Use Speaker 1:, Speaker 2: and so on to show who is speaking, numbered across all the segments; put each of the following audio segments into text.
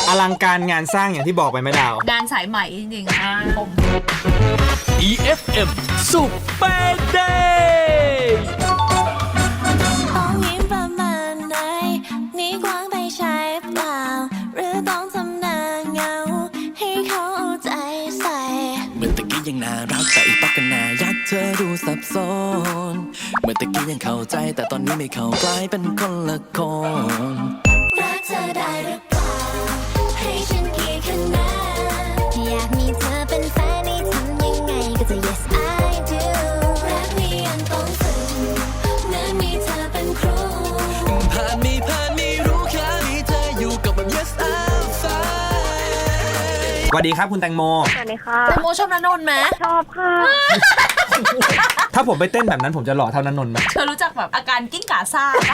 Speaker 1: อลังการงานสร้างอย่างที่บอกไปไหมดาว
Speaker 2: งานสายใหม่จริงๆผม
Speaker 3: EFM Super Day
Speaker 4: ต้องยิ้มประมาณไหนนี่กว้างไปใช่เปล่าหรือต้องทำหน้าเหงาให้เขาเอาใจใส่
Speaker 5: เมื่อตะกี้ยังน่ารักแต่อีกปักกันน่ายักเธอดูสับสนเมื่อตะกี้ยังเข้าใจแต่ตอนนี้ไม่เข้ากลายเป็นคนละคน
Speaker 4: รักเธอได้หรือเปล่าให้ฉันกี่คะแนนอยากมีเธอเป็นแฟนให้ทำยังไงก็จะ yes I do รักนี้ยังต้องฝึกเหมือนมีเธอเป็นครู
Speaker 5: ผ่านไม่รู้แค่มีเธออยู่กับแบบ yes I'm fine
Speaker 1: สวัสดีครับคุณแตงโม
Speaker 6: สวัสดีค่ะ
Speaker 2: แตงโมชอบณนนท์ไหม
Speaker 6: ชอบค่ะ
Speaker 1: ถ้าผมไปเต้นแบบนั้นผมจะหล่อเท่านั้นนนท์ไหม
Speaker 2: เธอรู้จักแบบอาการกิ้งก่าซ่าปะ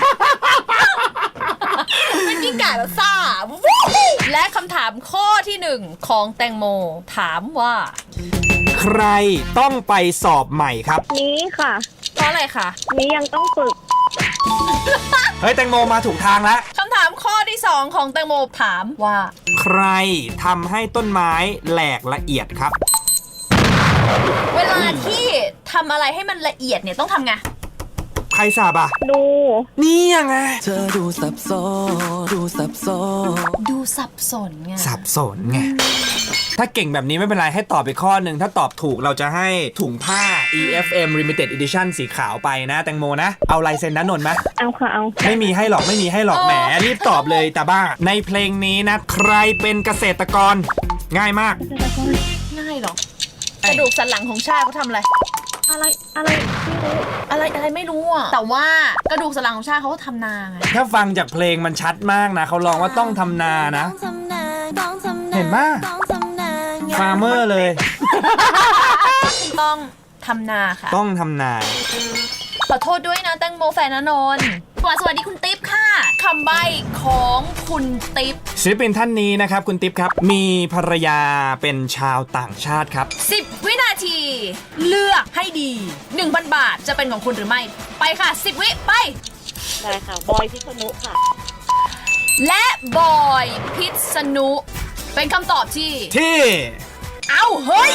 Speaker 2: เป็นกิ้งก่าแล้วซ่า และคำถามข้อที่ 1 ของแตงโมถามว่า
Speaker 1: ใครต้องไปสอบใหม่ครับ
Speaker 6: นี้ค่ะ
Speaker 2: เพราะอะไรคะ
Speaker 6: นี้ยังต้องฝึก
Speaker 1: เฮ้ยแตงโมมาถูกทางแล้ว
Speaker 2: คำถามข้อที่ 2 ของแตงโมถามว่า
Speaker 1: ใครทำให้ต้นไม้แหลกละเอียดครับ
Speaker 2: เวลาที่ทำอะไรให้มันละเอียดเนี่ยต้องทำไง
Speaker 1: ใครสาบอ่ะ
Speaker 6: ดู
Speaker 1: นี่ยังไง
Speaker 5: เธอดูสับสน
Speaker 2: ดูสับสนไง
Speaker 1: สับสนไง ถ้าเก่งแบบนี้ไม่เป็นไรให้ตอบไปข้อหนึ่งถ้าตอบถูกเราจะให้ถุงผ้า EFM Limited Edition สีขาวไปนะแตงโมนะ เอาลายเซ็นนะนนท์ไหม
Speaker 6: เอาค่ะเอา
Speaker 1: ไม่มีให้หรอกไม่มีให้หรอกแหมรีบตอบเลยตาบ้า ในเพลงนี้นะ ใครเป็นเกษตรกร ง่ายมาก
Speaker 2: ง่ายหรอกระดูกสันหลังของชาติเขาทำอะไร
Speaker 6: อะไรไม่รู้
Speaker 2: อะไรไม่รู้อ่ะแต่ว่ากระดูกสันหลังของชาติเขาก็ทำนาไง
Speaker 1: ถ้าฟังจากเพลงมันชัดมากนะเขาร้องว่าต้องทำนานะ เห็นปะฟาร์เมอร์เลย
Speaker 2: ต้องทำนาค่ะ
Speaker 1: ต้องทำนา
Speaker 2: ขอโทษด้วยนะแตงโมแฟนณนนท์สวัสดีคุณติ๊บค่ะคำใบ้ของคุณติ๊บ
Speaker 1: ศิลปินท่านนี้นะครับคุณติ๊บครับ มีภรรยาเป็นชาวต่างชาติครับ
Speaker 2: 10 วินาที เลือกให้ดี 1,000 บาทจะเป็นของคุณหรือไม่ ไปค่ะ 10 วิไป
Speaker 6: ได้ค่ะ บอยพิษณุค่ะ
Speaker 2: และบอยพิษณุเป็นคำตอบที่
Speaker 1: ที่
Speaker 2: เอาเฮ้ย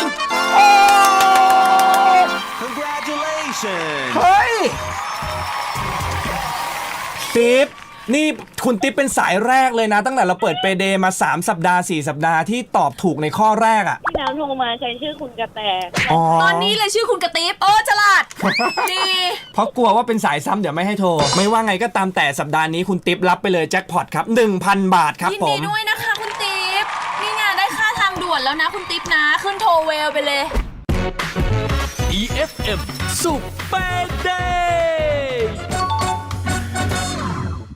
Speaker 1: เฮ้ย ติ๊บนี่คุณติ๊บเป็นสายแรกเลยนะ ตั้งแต่เราเปิดเปเดมา3สัปดาห์4สัปดาห์ที่ตอบถูกในข้อแรกอ่ะ
Speaker 6: ที่น้ำโทรมาใช้ชื่อคุณกระแต
Speaker 2: ตอนนี้เลยชื่อคุณกระติ๊บฉลาด ดี
Speaker 1: เพราะกลัวว่าเป็นสายซ้ำเดี๋ยวไม่ให้โทร ไม่ว่าไงก็ตามแต่สัปดาห์นี้คุณติ๊บรับไปเลยแจ็คพอตครับ 1,000 บาทครับ
Speaker 2: ยิน
Speaker 1: ผ
Speaker 2: ดี
Speaker 1: ม
Speaker 2: ด้วยนะคะคุณติ๊บนี่ไงได้ค่าทางด่วนแล้วนะคุณติ๊บนะ ขึ้นโทรเวลไปเลย
Speaker 3: EFM Super Day